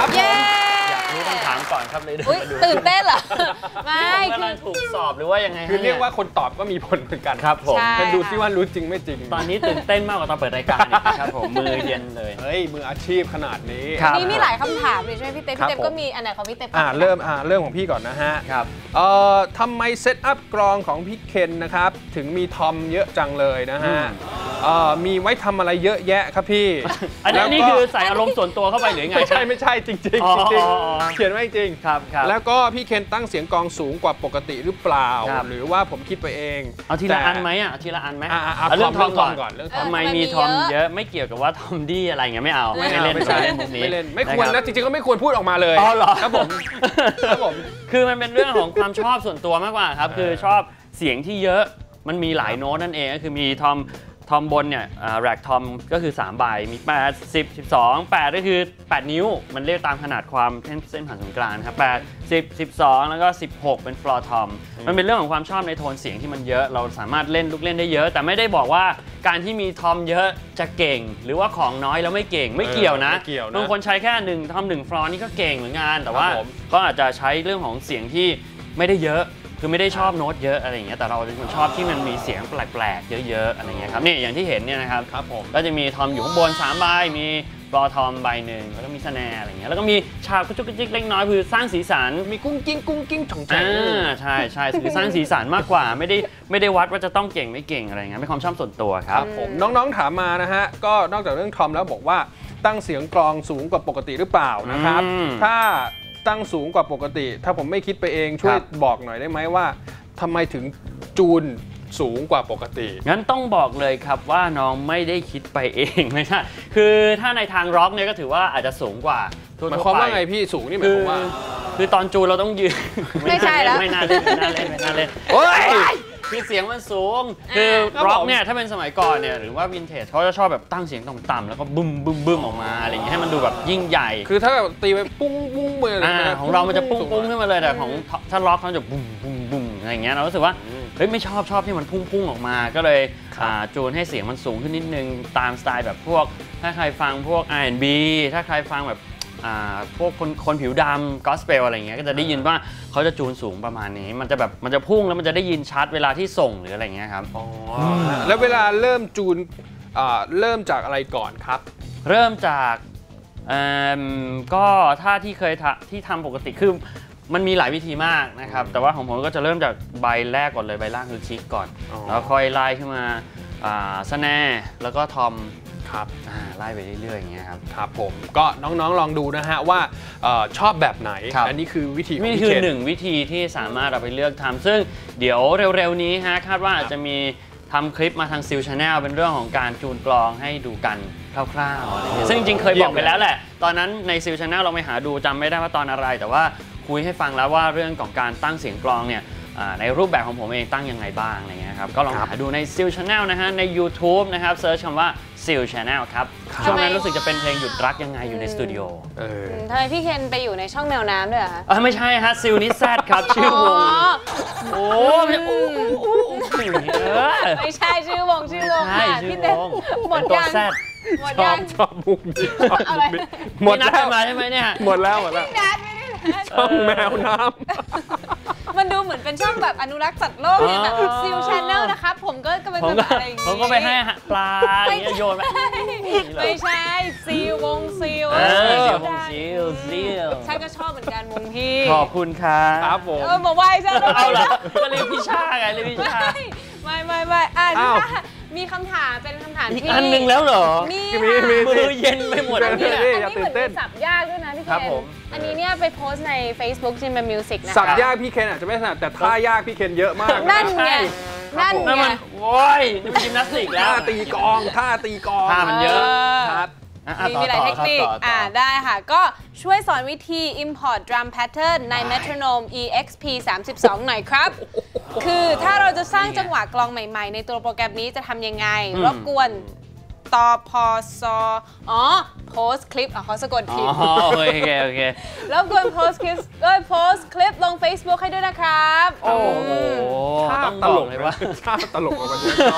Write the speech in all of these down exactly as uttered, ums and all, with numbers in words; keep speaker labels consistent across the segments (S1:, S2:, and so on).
S1: ครับ
S2: อยากรู้คำถามก่อนครับเลย
S3: ตื่นเต้นเหรอไม่
S2: คือกำลังถูกสอบหรือว่ายังไง
S1: คือเรียกว่าคนตอบก็มีผลเหมือนกัน
S2: ครับผม
S1: จะดูซิว่ารู้จริงไม่จริง
S2: ตอนนี้ตื่นเต้นมากกว่าตอนเปิดรายการครับผมมือเย็นเลย
S1: เฮ้ยมืออาชีพขนาดนี้
S3: นี่มีหลายคำถามเลยใช่ไหมพี่เต้พี่เต้ก็มีอันไหนของพี่เต้
S1: อ่าเริ่มอ่าเรื่องของพี่ก่อนนะฮะ
S2: ครับ
S1: เอ่อทำไมเซตอัพกลองของพี่เคนนะครับถึงมีทอมเยอะจังเลยนะฮะเอ่อมีไว้ทำอะไรเยอะแยะครับพี่
S2: อันนี้คือใส่อารมณ์ส่วนตัวเข้าไปหรือไง
S1: ไม่ใช่ไม่ใช่จริงจริงจริงเขียนไว้จริง
S2: ครับครับ
S1: แล้วก็พี่เคนตั้งเสียงกลองสูงกว่าปกติหรือเปล่าหรือว่าผมคิดไปเอง
S2: เอาทีละอันไหมอ่ะทีละอันไหม
S1: เรื่องทอมก่อนเรื่อง
S2: ทำไมมีทอมเยอะไม่เกี่ยวกับว่าทอมดี้อะไรเงี้ยไม่เอา
S1: ไม่เล่นไม่ใช่ไม่เล่นไม่ควรนะจริงๆก็ไม่ควรพูดออกมาเลยครับผมครับผม
S2: คือมันเป็นเรื่องของความชอบส่วนตัวมากกว่าครับคือชอบเสียงที่เยอะมันมีหลายโน้ตนั่นเองก็คือมีทอมทอมบนเนี่ยแร็กทอมก็คือสามใบมีแปด สิบ สิบสอง แปดก็คือแปดนิ้วมันเรียกตามขนาดความเส้นผ่านศูนย์กลางครับแปด สิบ สิบสองแล้วก็สิบหกเป็นฟลอร์ทอมมันเป็นเรื่องของความชอบในโทนเสียงที่มันเยอะเราสามารถเล่นลูกเล่นได้เยอะแต่ไม่ได้บอกว่าการที่มีทอมเยอะจะเก่งหรือว่าของน้อยแล้วไม่เก่งไม่เกี่ยวนะบางคนใช้แค่หนึ่งทอมหนึ่งฟลอร์นี่ก็เก่งเหมือนกันแต่ว่าก็อาจจะใช้เรื่องของเสียงที่ไม่ได้เยอะคือไม่ได้ชอบโน้ตเยอะอะไรอย่างเงี้ยแต่เราเป็นคนชอบที่มันมีเสียงแปลกๆเยอะๆอะไรเงี้ยครับนี่อย่างที่เห็นเนี่ยนะครับ
S1: ครับผม
S2: ก็จะมีทอมอยู่ข้างบนสามใบมีบอทอมใบหนึ่งแล้วก็มีสแนร์อะไรเงี้ยแล้วก็มีฉากกระจุกกระจิกเล็กน้อยคือสร้างสีสัน
S1: มีกุ้งกิ้งกุ้งกิ้งถ่องแฉง
S2: ใช่ใช่คือสร้างสีสันมากกว่าไม่ได้ไม่ได้วัดว่าจะต้องเก่งไม่เก่งอะไรเงี้ยเป็นความชอบส่วนตัวครับ
S1: ผมน้องๆถามมานะฮะก็นอกจากเรื่องทอมแล้วบอกว่าตั้งเสียงกลองสูงกว่าปกติหรือเปล่านะครับถ้าตั้งสูงกว่าปกติถ้าผมไม่คิดไปเองช่วยบอกหน่อยได้ไหมว่าทำไมถึงจูนสูงกว่าปกติ
S2: งั้นต้องบอกเลยครับว่าน้องไม่ได้คิดไปเองไม่ใช่คือถ้าในทางร็อกเนี่ยก็ถือว่าอาจจะสูงกว่า
S1: หมายความว่าไงพี่สูงนี่หมายความว่า
S2: คือตอนจูนเราต้องยืน
S3: ไม่ใช่แล้ว
S2: ไม่น่าเล่นไม่น่าเล่นไม่น่าเล่นโอ้ยคือเสียงมันสูงคือร็อกเนี่ยถ้าเป็นสมัยก่อนเนี่ยหรือว่าวินเทจเขาจะชอบแบบตั้งเสียงต่ำๆแล้วก็บึ้มบึ้มบึ้มออกมาอะไรอย่างเงี้ยให้มันดูแบบยิ่งใหญ่
S1: คือถ้าแบบตีไปปุ้งปุ้งเหมือน
S2: ของเรามันจะปุ้งปุ้งขึ้นมาเลยแต่ของถ้าร็อกเขาจะบุ้มบุ้มบุ้มอะไรอย่างเงี้ยเรารู้สึกว่าเฮ้ยไม่ชอบชอบที่มันพุ่งพุ่งออกมาก็เลยจูนให้เสียงมันสูงขึ้นนิดนึงตามสไตล์แบบพวกถ้าใครฟังพวก อาร์ แอนด์ บี ถ้าใครฟังแบบพวกคนคนผิวดำกอสเปลอะไรเงี้ยก็จะได้ยินว่าเขาจะจูนสูงประมาณนี้มันจะแบบมันจะพุ่งแล้วมันจะได้ยินชัดเวลาที่ส่งหรืออะไรเงี้ยครับ
S1: อ๋อแล้วเวลาเริ่มจูนเริ่มจากอะไรก่อนครับ
S2: เริ่มจากก็ถ้าที่เคยที่ทำปกติคือมันมีหลายวิธีมากนะครับแต่ว่าของผมก็จะเริ่มจากใบแรกก่อนเลยใบล่างคือคิกก่อนแล้วค่อยไล่ขึ้นมาสแนร์แล้วก็ทอม
S1: ครับ
S2: ไล่ไปเรื่อยๆอย่างเงี้ยครับ
S1: ครับผมก็น้องๆลองดูนะฮะว่าชอบแบบไหนอันนี้คือวิธี
S2: นี่คือหนึ่งวิธีที่สามารถเอาไปเลือกทำซึ่งเดี๋ยวเร็วๆนี้ฮะคาดว่าอาจจะมีทำคลิปมาทางซิลชาแนลเป็นเรื่องของการจูนกลองให้ดูกันคร่าวๆอะไรเงี้ยซึ่งจริงๆเคยบอกไปแล้วแหละตอนนั้นในซิลชาแนลเราไปหาดูจำไม่ได้ว่าตอนอะไรแต่ว่าคุยให้ฟังแล้วว่าเรื่องของการตั้งเสียงกลองเนี่ยในรูปแบบของผมเองตั้งยังไงบ้างอะไรเงี้ยครับก็ลองหาดูในซิลชาแนลนะฮะใน YouTube นะครับเซิร์ชคำว่าซิลชาแนลครับช่วงนั้นรู้สึกจะเป็นเพลงหยุดรักยังไงอยู่ในสตูดิโอ
S3: ทำไมพี่เคนไปอยู่ในช่องแมวน้ำด้วยอะ
S2: ไม่ใช่ฮะซิลนิแซดครับชื่อวงโอ้
S3: ไม่ใช่ชื่อวงชื่อวงค่ะพี่เต้หมดยัง
S1: หมดยังชอบมุกนี้ชอบมุกนี้หมดแล้ว
S2: มาใช่ไหมเนี่ย
S1: หมดแล้วหมดแล้วช่องแมวน้
S3: ำมันดูเหมือนเป็นช่องแบบอนุรักษ์สัตว์โลกเนี่ยแบบซิลชาแนลนะครับผมก็กำลังจะอะไรอย่างงี้
S2: ผมก็ไปให้ปลาโยนไป
S3: ไม่ใช่ซิลวงซิล
S2: ซิลวงซิลซิล
S3: ฉันก็ชอบเหมือนกันวงพี่
S2: ขอบคุณครับ
S1: ครับผม
S3: เออมาไหว้ใช่ไหม
S2: เอาละก็เรียกพี่ชาไงเรียกพี่ชา
S3: ไม่ไม่ไม่อ่ะพี่ชามีคำถามเป็นคำถามที่
S2: อีกอันหนึ่งแล้วเหรอ
S3: มี
S2: มือเย็นไปหมด
S3: อันนี้อันนี้เหมือนสับยากด้วยนะพี่เคนอันนี้เนี่ยไปโพสใน Facebook จิมเป็นมิวสิกนะ
S1: สับยากพี่เคนอาจจะไม่ถนัดแต่ท่ายากพี่เคนเยอะมาก
S3: นั่นไงนั่นไง
S2: โว้ยนี่มันยิมนาสติกแล้ว
S1: ท่าตีกองท่าตีกอง
S2: ท่ามันเยอะ
S1: ครับ
S3: มีมีหลายเทคนิคอ่าได้ค่ะก็ช่วยสอนวิธี import drum pattern ใน Metronome อี เอ็กซ์ พี สามสิบสอง หน่อยครับคือถ้าเราจะสร้างจังหวะกลองใหม่ๆในตัวโปรแกรมนี้จะทำยังไงรบกวนตอพอซอ๋อโพสคลิปอ๋อเขาสะกดผิด
S2: อ๋อโอเคโอเค
S3: รบกวนโพสคลิปก็โพสคลิปลง Facebook ให้ด้วยนะครับ
S2: โอ้โห
S1: ต้องตลกเลยว่าตลกกว่าคน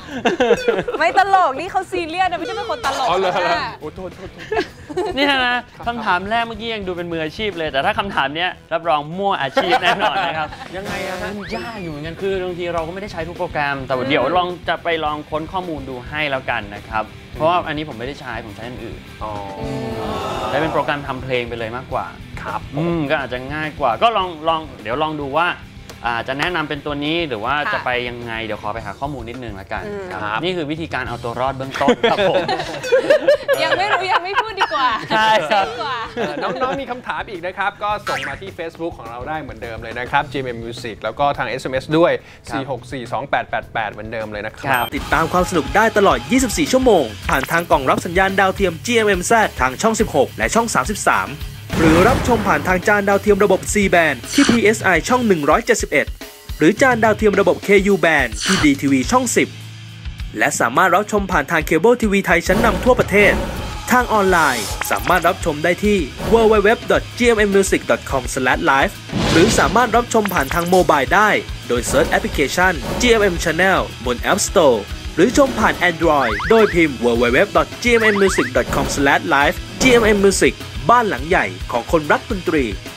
S3: ไม่ตลกนี่เขาซีเรียสนะไม่ใช่เป็นคนตลก
S1: อ๋อเหรอ
S3: นะ
S1: โอ้โทษโทษโทษ
S2: นี่นะคำถามแรกเมื่อกี้ยังดูเป็นมืออาชีพเลย แต่ถ้าคำถามเนี้ยรับรองมั่วอาชีพแน่นอนนะครับ
S1: ยังไงอะฮะ
S2: มันยากอยู่เหมือนกันคือบางทีเราก็ไม่ได้ใช้ทุกโปรแกรม แต่เดี๋ยวลองจะไปลองค้นข้อมูลดูให้แล้วกันนะครับ เพราะว่าอันนี้ผมไม่ได้ใช้ผมใช้อันอื่น
S1: อ๋อ
S2: ได้เป็นโปรแกรมทำเพลงไปเลยมากกว่า
S1: ครับ
S2: อืมก็อาจจะง่ายกว่า ก็ลองลองเดี๋ยวลองดูว่าอ่าจะแนะนำเป็นตัวนี้หรือว่าจะไปยังไงเดี๋ยวขอไปหาข้อมูลนิดนึงละกันครับนี่คือวิธีการเอาตัวรอดเบื้องต้นครับผม
S3: ยังไม่รู้ยังไม่พูดดีกว่า
S2: ใช่ครับ
S3: ดีกว่า
S1: เอ่อน้องๆมีคำถามอีกนะครับ ก็ส่งมาที่ Facebook ของเราได้เหมือนเดิมเลยนะครับ จี เอ็ม เอ็ม Music แล้วก็ทาง เอส เอ็ม เอส ด้วย
S2: ครับ
S1: สี่ หก สี่ สอง แปด แปด แปด เหมือนเดิมเลยนะค
S2: ค
S1: รั
S2: รับ บ
S4: ติดตามความสนุกได้ตลอด ยี่สิบสี่ ชั่วโมง ผ่านทางกล่องรับสัญญาณดาวเทียม จี เอ็ม เอ็ม แซด ทางช่อง สิบหก และช่อง สามสิบสาม หรือรับชมผ่านทางจานดาวเทียมระบบ ซี แบนด์ ที่ พี เอส ไอ ช่อง หนึ่งร้อยเจ็ดสิบเอ็ด หรือจานดาวเทียมระบบ เค ยู แบนด์ ที่ ดี ที วี ช่อง สิบ และสามารถรับชมผ่านทางเคเบิลทีวีไทยชั้นนำทั่วประเทศ ทางออนไลน์สามารถรับชมได้ที่ ดับเบิลยู ดับเบิลยู ดับเบิลยู ดอท จี เอ็ม เอ็ม มิวสิก ดอท คอม สแลช ไลฟ์ หรือสามารถรับชมผ่านทางโมบายได้ โดยเซิร์ชแอปพลิเคชัน จี เอ็ม เอ็ม Channel บน App Store หรือชมผ่าน Android โดยพิมพ์ ดับเบิลยู ดับเบิลยู ดับเบิลยู ดอท จี เอ็ม เอ็ม มิวสิก ดอท คอม สแลช ไลฟ์ จี เอ็ม เอ็ม Music บ้านหลังใหญ่ของคนรักดนตรี